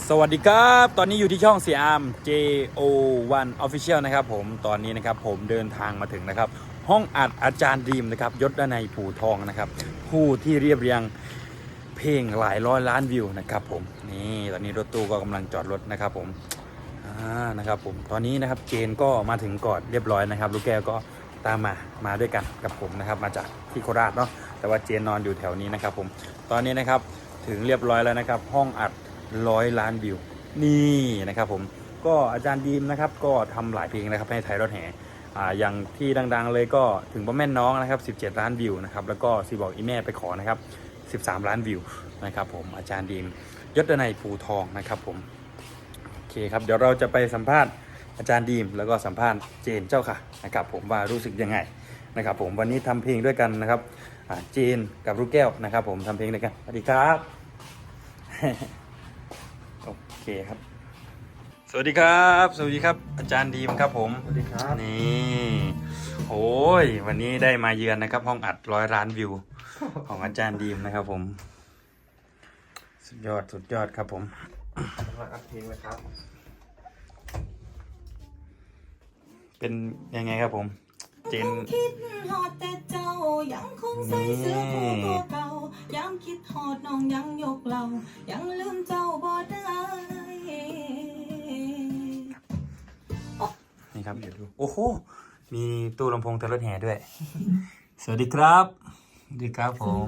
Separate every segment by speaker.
Speaker 1: สวัสดีครับตอนนี้อยู่ที่ช่องเสียอาม JO1 Official นะครับผมตอนนี้นะครับผมเดินทางมาถึงนะครับห้องอัดอาจารย์ดีมนะครับยศด้านในผู่ทองนะครับผู้ที่เรียบเรียงเพลงหลายร้อยล้านวิวนะครับผมนี่ตอนนี้รถตู้ก็กำลังจอดรถนะครับผมนะครับผมตอนนี้นะครับเจนก็มาถึงก่อนเรียบร้อยนะครับลูกแก้วก็ตามมาด้วยกันกับผมนะครับมาจากที่โคราชเนาะแต่ว่าเจนนอนอยู่แถวนี้นะครับผมตอนนี้นะครับถึงเรียบร้อยแล้วนะครับห้องอัด100 ล้านวิวนี่นะครับผมก็อาจารย์ดีมนะครับก็ทำหลายเพลงนะครับให้ไทยรถแห่อย่างที่ดังๆเลยก็ถึงพ่อแม่น้องนะครับ17 ล้านวิวนะครับแล้วก็ซีบอกอีแม่ไปขอนะครับ13 ล้านวิวนะครับผมอาจารย์ดีมยศในภูทองนะครับผมโอเคครับเดี๋ยวเราจะไปสัมภาษณ์อาจารย์ดีมแล้วก็สัมภาษณ์เจนเจ้าค่ะนะครับผมว่ารู้สึกยังไงนะครับผมวันนี้ทำเพลงด้วยกันนะครับเจนกับลูกแก้วนะครับผมทำเพลงด้วยกันสวัสดีครับ โอเคครับสวัสดีครับสวัสดีครับอาจารย์ดีมครับผม
Speaker 2: สวัสดีครับ
Speaker 1: นี่โอ้ยวันนี้ได้มาเยือนนะครับห้องอัด100 ล้านวิวของอาจารย์ดีมนะครับผมสุดยอดครับผม
Speaker 2: กำลังอัดเพลงเลยครับ
Speaker 1: เป็นยังไงครับผมเจน
Speaker 3: คิดฮอดแต่เจ้ายังคงใส่เสื้อคู่ตัวเก่าย้ำคิดฮอดน้องยังยกเรายังลืมเจ้าบ่ได้
Speaker 1: นี่ครับเดี๋ยวดูโอ้โหมีตู้ลำโพงเตรถแห่ด้วย สวัสดีครับสวัสดีครับผม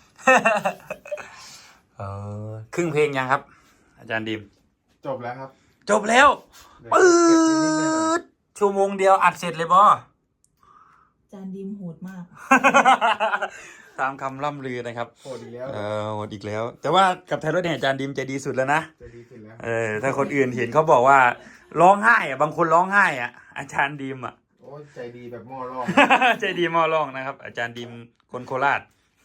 Speaker 1: ครึ่งเพลงยังครับอาจารย์ดีม
Speaker 2: จบแล้วครับ
Speaker 1: จบแล้วปื๊ดชั่วโมงเดียวอัดเสร็จเลยบอ
Speaker 3: จานดิมโหดมาก
Speaker 1: ตามคำล่ำลือนะครับ
Speaker 2: โหดอีกแล้ว
Speaker 1: โหดอีกแล้วแต่ว่ากับไทยรถแห่อาจารย์ดิมใจดีสุดแล้วนะ
Speaker 2: ใจดีสุดแล้ว
Speaker 1: ถ้าคนอื่นเห็นเขาบอกว่าร้องไห้บางคนร้องไห้อาจารย์ดิม
Speaker 2: โอ้ยใจดีแบบหม้อร่อง
Speaker 1: ใจดีหม้อร่องนะครับอาจารย์ดิมคนโคราช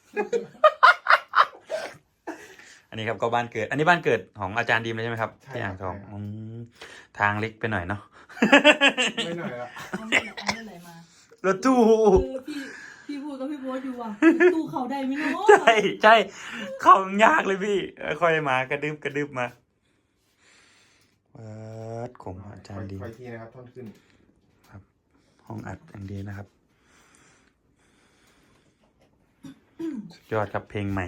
Speaker 1: อันนี้ครับก็บ้านเกิดอันนี้บ้านเกิดของอาจารย์ดิมเลยใช่ไหมครับที่อ่างทองทางเล็กไปหน่อยเนาะ
Speaker 2: ไม่หน่อยละ
Speaker 3: เอาอะไรมาร
Speaker 1: ถตู้
Speaker 3: พี่พูดกับพี่โบ๊ทอยู่ว่ะตู้เขาได้ไหมเนาะ
Speaker 1: ใช่เขายากเลยพี่ค่อยมากระดึบมาผมอาจารย์ดี
Speaker 2: ไปที่นะครับท่อนขึ้น
Speaker 1: ครับห้องอัดอย่างดีนะครับสุดยอดครับเพลงใหม่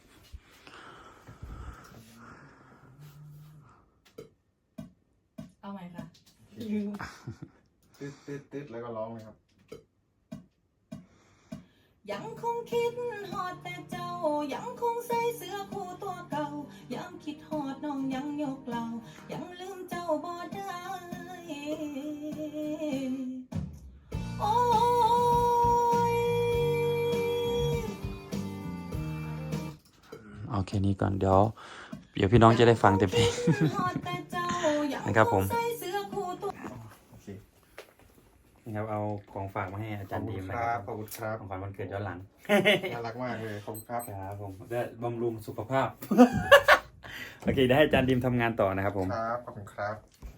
Speaker 3: เอาใหม่ค่ะ
Speaker 2: ตึ๊ดแล้วก็ร้องเลยครับ
Speaker 3: ยังคงคิดฮอดแต่เจ้ายังคงใส่เสื้อคู่ตัวเก่ายังคิดฮอดน้องยังยกเรายังลืมเจ้าบ่ได้โอ้ย
Speaker 1: โอเคนี้ก่อนเดี๋ยวพี่น้องจะได้ฟังเต็มเพลงนะครับผมนี่ครับเอาของฝากมาให้อาจารย์ดีมนะครับ
Speaker 2: ขอบคุณครับ
Speaker 1: ของขวัญวันเกิดย้อนหลัง
Speaker 2: น่ารักมากเลยขอบคุณครับ
Speaker 1: ครับผมได้บำรุงสุขภาพโอเคได้ให้อาจารย์ดีมทำงานต่อนะครับผม
Speaker 2: ครับขอบคุณครับ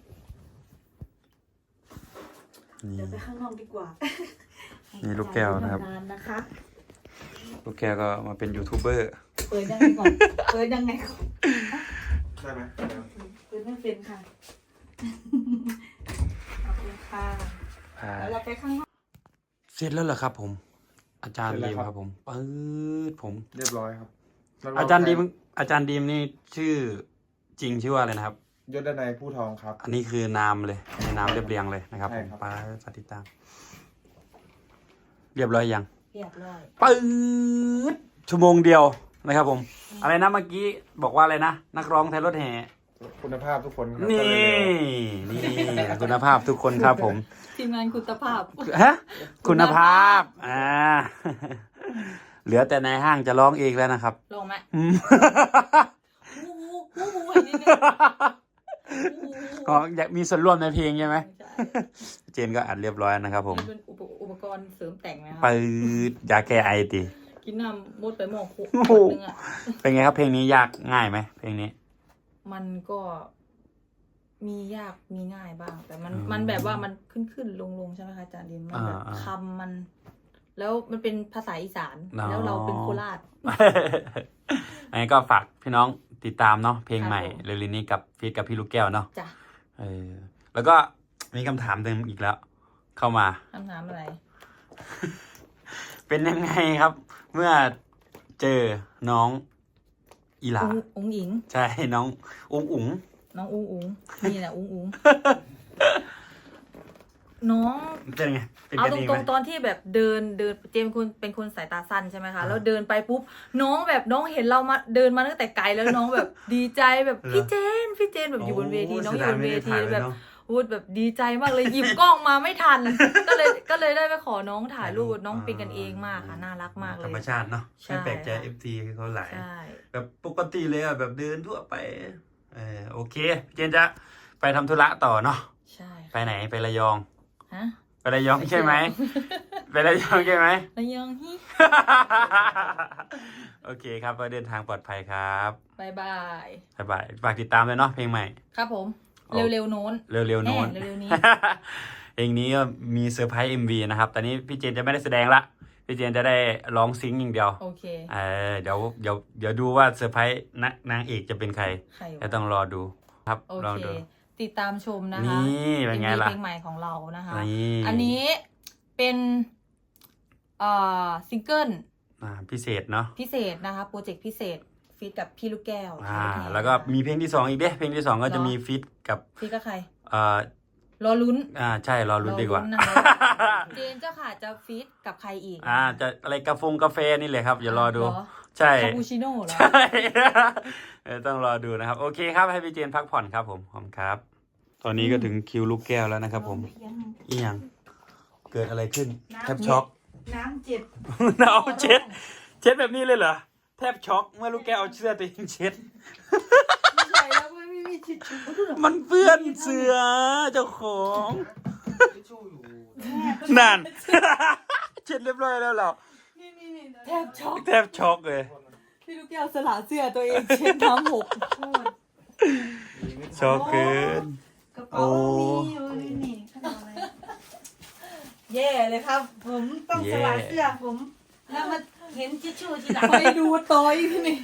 Speaker 3: เดี๋ยวไปข้างนอกดีกว่า
Speaker 1: นี่ลูกแก้วนะครับลูกแก้วก็มาเป็นยูทูบเบอร์
Speaker 3: เปิดยังไงก่อน
Speaker 2: ได้ไหม
Speaker 3: เปิดไม่เป็นค่ะขอบคุณค่ะแล้วเราไปข้างนอก
Speaker 1: เสร็จแล้วเหรอครับผมอาจารย์ดีมครับผมผม
Speaker 2: เรียบร้อยครับ
Speaker 1: อาจารย์ดีมนี่ชื่อจริงชื่อว่าอะไรนะครับ
Speaker 2: ยศในผู้ทองครับ
Speaker 1: อันนี้คือนามเลยในนามเรียบเรียงเลยนะครับผมป้าสติตามเรียบร้อยยัง
Speaker 3: เรียบร้อย
Speaker 1: ชั่วโมงเดียวนะครับผมอะไรนะเมื่อกี้บอกว่าอะไรนะนักร้องไทยรถแห่
Speaker 2: คุณภาพทุกคน
Speaker 1: นี่คุณภาพทุกคนครับผม
Speaker 3: ทีมงานคุณภาพ
Speaker 1: คุณภาพเหลือแต่ในห้างจะร้องเองแล้วนะครับ
Speaker 3: ลองไหม
Speaker 1: ก็อยากมีส่วนร่วมในเพลงใช่ไหมเจนก็อัดเรียบร้อยนะครับผม
Speaker 3: เป็นอุปกรณ์เสริมแต่งนะครับ
Speaker 1: ยาแก้ไอติ
Speaker 3: กินน้ำมดไปหม้อขวดนึง
Speaker 1: เป็นไงครับเพลงนี้ยากง่ายไหมเพลงนี้
Speaker 3: มันก็มียากมีง่ายบ้างแต่มันแบบว่ามันขึ้นลงใช่ไหมคะอาจารย์ดินมันแบบคำมันแล้วมันเป็นภาษาอีสานแล้วเราเป็นโคราช
Speaker 1: อันนี้ก็ฝากพี่น้องติดตามเนาะเพลงใหม่
Speaker 3: ครับผม
Speaker 1: เร็วๆนี้กับฟีดกับพี่ลูกแก้วเนาะ
Speaker 3: จ้ะ
Speaker 1: แล้วก็มีคำถามหนึ่งอีกแล้ว เข้ามา
Speaker 3: คำถามอะไร
Speaker 1: เป็นยังไงครับ เมื่อเจอน้องอีหลา
Speaker 3: อุ้งอิง
Speaker 1: ใช่น้องอุ้งอุ๋ง
Speaker 3: น้องอุ้งอุ้งนี่แหละอุ้งอุ้งน้อง
Speaker 1: เป็นไงเป็น
Speaker 3: เอา
Speaker 1: กัน
Speaker 3: ต
Speaker 1: เอง
Speaker 3: ร
Speaker 1: ไหม
Speaker 3: งๆตอนที่แบบเดินเจมส์เป็นคนสายตาสั้นใช่ไหมคะแล้วเดินไปปุ๊บน้องเห็นเรามาเดินมาตั้งแต่ไกลแล้วน้องแบบดีใจแบบพี่เจนแบบอยู่บนเวทีน้องอยู่บนเวทีแบบพูดแบบดีใจมากเลยหยิบกล้องมาไม่ทัน ก็เลยได้ไปขอน้องถ่ายรูปน้องเป็นกันเองมากค่ะน่ารักมากเล
Speaker 1: ธร
Speaker 3: ย
Speaker 1: รมชาติเนาะ
Speaker 3: ใช่
Speaker 1: ไม่แปลกใจ
Speaker 3: ค่ะ
Speaker 1: FT เขาหลาย
Speaker 3: ใช่
Speaker 1: แบบปกติเลยอะแบบเดินทั่วไปโอเคพี่เจนจะไปทำธุระต่อเนาะ
Speaker 3: ใช่
Speaker 1: ไปไหนไประยอง
Speaker 3: ฮะ
Speaker 1: ไประยองใช่ไหม ไประยองใช่ไหม
Speaker 3: ระยองฮิ
Speaker 1: โอเคครับก็เดินทางปลอดภัยครับ
Speaker 3: บายบาย
Speaker 1: บ๊ายบายฝากติดตามเลยเนาะเพลงใหม่
Speaker 3: ครับผม
Speaker 1: โอ้
Speaker 3: เร็วๆโน้น
Speaker 1: เร็วๆโน้น
Speaker 3: เร็วๆนี้
Speaker 1: เพลงนี้ก็มีเซอร์ไพรส์ MV นะครับ ตอนนี้พี่เจนจะไม่ได้แสดงละ พี่เจนจะได้ร้องซิงค์อย่างเดียว
Speaker 3: โอเค
Speaker 1: เดี๋ยวดูว่าเซอร์ไพรส์นางเอกจะเป็นใคร
Speaker 3: ใคร
Speaker 1: จะ
Speaker 3: วะ
Speaker 1: ต้องรอดูครับ
Speaker 3: โอ
Speaker 1: ลอง
Speaker 3: เค
Speaker 1: ดู
Speaker 3: ติดตามชมนะคะ
Speaker 1: นี่เป็นไงล่ะ
Speaker 3: เพลงใหม่ของเรานะคะ
Speaker 1: นี่
Speaker 3: อันนี้เป็นซิงเกิล
Speaker 1: พิเศษเนาะ
Speaker 3: พิเศษนะคะโปรเจกต์พิเศษฟีดกับพี่ลูกแก้ว
Speaker 1: แล้วก็มีเพลงที่สองอีกเด้เพลงที่สองก็จะมีฟีดกับ
Speaker 3: ฟีดกับใคร
Speaker 1: เอ่อ
Speaker 3: รอลุ้น
Speaker 1: ใช่รอลุ้นดีกว่า
Speaker 3: รอลุ้นนะคะ เจนเจ้าค่ะจะฟีดกับใครอีก
Speaker 1: จะอะไรกาแฟนี่เลยครับอย่ารอดู
Speaker 3: เหรอ
Speaker 1: ใช่
Speaker 3: คาปูชิโน่เหรอ
Speaker 1: ใช่ต้องรอดูนะครับ โอเคครับให้พี่เจนพักผ่อนครับผมขอบคุณครับ ตอนนี้ก็ถึงคิวลูกแก้วแล้วนะครับผมอีหยังเกิดอะไรขึ้นแทบช็อก
Speaker 3: น้ำเจ็บ
Speaker 1: เอาเช็ดแบบนี้เลยเหรอแทบช็อกเมื่อลูกแก้วเอาเสื้อตัวเองเช็ด
Speaker 3: ไม่ใช่แล้วไม่มีทิชชู่
Speaker 1: มันเปื้อนเสื้อเจ้าของ
Speaker 2: ทิชชู่อยู่
Speaker 1: นั่น เช็ดเรียบร้อยแล้วเหรอ
Speaker 3: แทบช็อก
Speaker 1: แทบช็อกเลย
Speaker 3: พี่ลูกแก้วสละเสื้อตัวเองเช็ดน้ำหก
Speaker 1: ช็อกเกิน
Speaker 4: กระเป๋ามีอยู่นี่ขนาดอะไรแย่เลยครับ ผมต้องสละเสื้อผม แล้วมาเห็นทิชชู่ทีหลัง
Speaker 3: ไปดูต่อยพี่นี่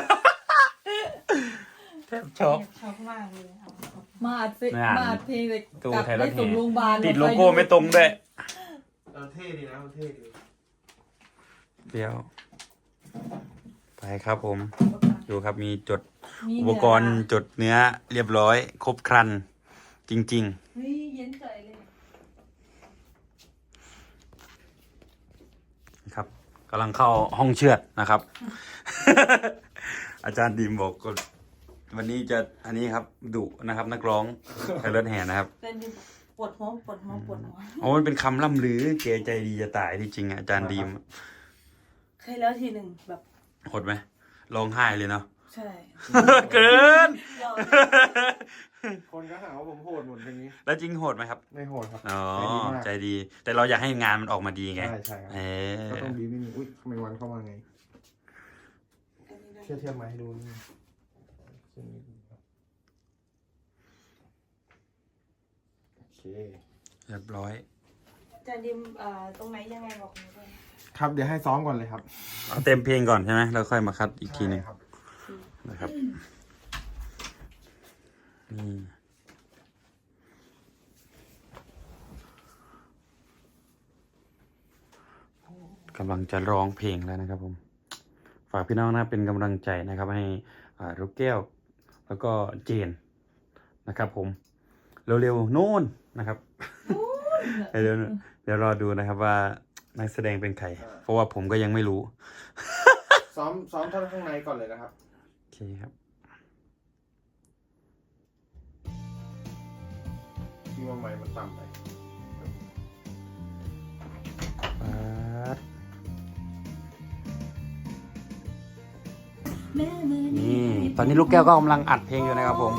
Speaker 1: แทบช็อก
Speaker 4: ชอบมากเลยเอา
Speaker 3: มาอัดเพลง
Speaker 1: นั่น
Speaker 3: มาอัดเพลงเลย
Speaker 1: ตู้
Speaker 3: กลับ
Speaker 1: ไทยรั
Speaker 3: ได้
Speaker 1: ฐ
Speaker 3: ส่งโรงพยาบาล
Speaker 1: ติดโลโก้ไม่ตรงด้วย
Speaker 2: เท่ดีนะเท่ดี
Speaker 1: เดี๋ยวไปครับผม ดูครับมีจด
Speaker 3: มี
Speaker 1: อุปกรณ์จดเนื้อเรียบร้อย ครบครัน จริง
Speaker 4: เฮ้ยเย็นใจเลย
Speaker 1: ๆ ครับกำลังเข้าห้องเชือดนะครับ อาจารย์ดีมบอกก็วันนี้จะอันนี้ครับดุนะครับ นักร้องไทยรถแห่นะครับ
Speaker 4: เป็นปวดหัวปวดหัวปวดหัว
Speaker 1: โอ้มันเป็นคำล่ำลือเกใจดีจะตายที่จริงอะอาจารย์ดีม
Speaker 4: เคยแล้วทีหนึ่งแบบ
Speaker 1: โหดไหมร้องไห้เลยเนาะ
Speaker 4: ใช่
Speaker 1: เกิน
Speaker 4: ยอม
Speaker 2: คนก็หาว่าผมโหดหมดอย่างนี้
Speaker 1: แล้วจริงโหดไหมครับ
Speaker 2: ไม่โหดครับ
Speaker 1: อ๋อ
Speaker 2: ใจดีมาก
Speaker 1: ใจดี แต่เราอยากให้งานมันออกมาดีไง
Speaker 2: ใช่ใช่ครับ
Speaker 1: เออ
Speaker 2: ก็ต้องดีไม่มีอุ้ยทำไมวันเข้ามาไงเทียบมาให้ดูนี่โอเค
Speaker 1: เรียบร้อย
Speaker 4: จะดิมตรงไหนยังไงบอกหนูด้วย
Speaker 2: ครับเดี๋ยวให้ซ้อมก่อนเลยครับ
Speaker 1: เอาเต็มเพลงก่อนใช่ไหมแล้วค่อยมาคัดอีกทีหนึง
Speaker 2: ใช่ครับ
Speaker 1: นะครับนี่กำลังจะร้องเพลงแล้วนะครับผม ฝากพี่น้องนะเป็นกำลังใจนะครับ ให้ลูกแก้ว แล้วก็เจนนะครับผม เร็วๆโน่นนะครับ เดี๋ยวรอดูนะครับว่านักแสดงเป็นใคร เพราะว่าผมก็ยังไม่รู้
Speaker 2: ซ้อมท่อนข้างในก่อนเลยนะครับ
Speaker 1: โอเคครับ
Speaker 2: ที่ว่าไมค์มันต่ำไป
Speaker 1: นี่ ตอนนี้ลูกแก้วก็กำลังอัดเพลงอยู่นะครับผม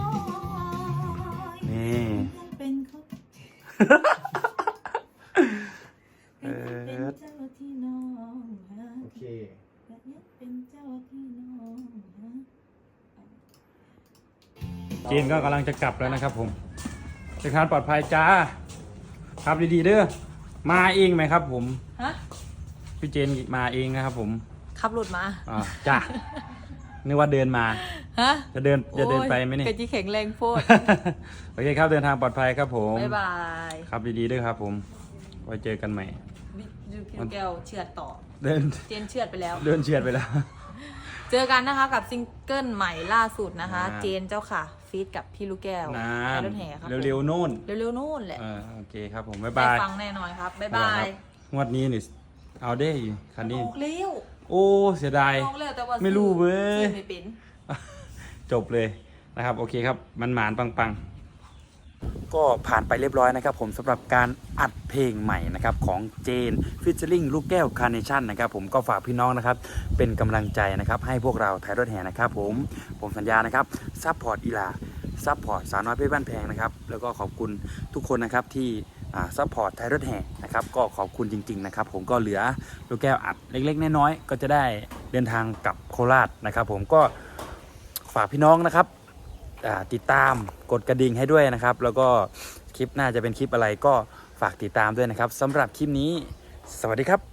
Speaker 1: นี่
Speaker 4: เป็นเขา
Speaker 1: เอ
Speaker 4: เป็น
Speaker 1: อ
Speaker 4: เจ้าที่น้องหา
Speaker 2: โอเค
Speaker 4: เป็นเจ้าที่น้องหา
Speaker 1: เจนก็กำลังจะกลับแล้วนะครับผมเดินทางปลอดภัยจ้า ครับดีๆเด้อ มาเองไหมครับผม
Speaker 3: ฮะ
Speaker 1: พี่เจนมาเองนะครับผม
Speaker 3: ขับรถมา
Speaker 1: จ้านึกว่าเดินมา
Speaker 3: ฮะ
Speaker 1: จะเดินไปไหมเนี่ย
Speaker 3: กะจีแข็งแรงโพด
Speaker 1: โอเคครับเดินทางปลอดภัยครับผม
Speaker 3: บ๊ายบาย
Speaker 1: ครับดีๆด้วยครับผมไว้เจอกันใหม่
Speaker 3: พี่แก้วเชือดต่อ
Speaker 1: เดิน
Speaker 3: เจนเชือดไปแล้ว
Speaker 1: เดินเฉียดไปแล้ว
Speaker 3: เจอกันนะคะกับซิงเกิลใหม่ล่าสุดนะคะ
Speaker 1: อ่า
Speaker 3: เจนเจ้าค่ะฟีดกับพี่ลูกแก้ว
Speaker 1: นะ
Speaker 3: ไทยรถแห่ครับ
Speaker 1: เร็วๆนู่น
Speaker 3: เร็วๆนู่นแหละ
Speaker 1: โอเคครับผมบ๊าย
Speaker 3: ได้
Speaker 1: บาย
Speaker 3: ฟังแน่นอนครับ บ๊ายบาย
Speaker 1: งวดนี้นี่เอาได้อยู่คันนี้
Speaker 3: ออกเร็ว
Speaker 1: โอ้เสียดาย
Speaker 3: ออกเร็วแต่ว่า
Speaker 1: ไม่รู้เว้ย
Speaker 3: ซื้อไม่เป็น
Speaker 1: จบเลยนะครับโอเคครับมันหมานปังๆ ก็ผ่านไปเรียบร้อยนะครับผมสำหรับการอัดเพลงใหม่นะครับของเจนฟิชเชอร์ลิงลูกแก้วคาร์เนชั่นนะครับผมก็ฝากพี่น้องนะครับเป็นกำลังใจนะครับให้พวกเราไทยรถแห่นะครับผมสัญญานะครับซัพพอร์ตอีลาซัพพอร์ตสาวน้อยเพชรบ้านแพงนะครับแล้วก็ขอบคุณทุกคนนะครับที่ซัพพอร์ตไทยรถแห่นะครับก็ขอบคุณจริงๆนะครับผมก็เหลือลูกแก้วอัดเล็กๆน้อยๆก็จะได้เดินทางกลับโคราชนะครับผมก็ฝากพี่น้องนะครับติดตามกดกระดิ่งให้ด้วยนะครับแล้วก็คลิปหน้าจะเป็นคลิปอะไรก็ฝากติดตามด้วยนะครับสำหรับคลิปนี้สวัสดีครับ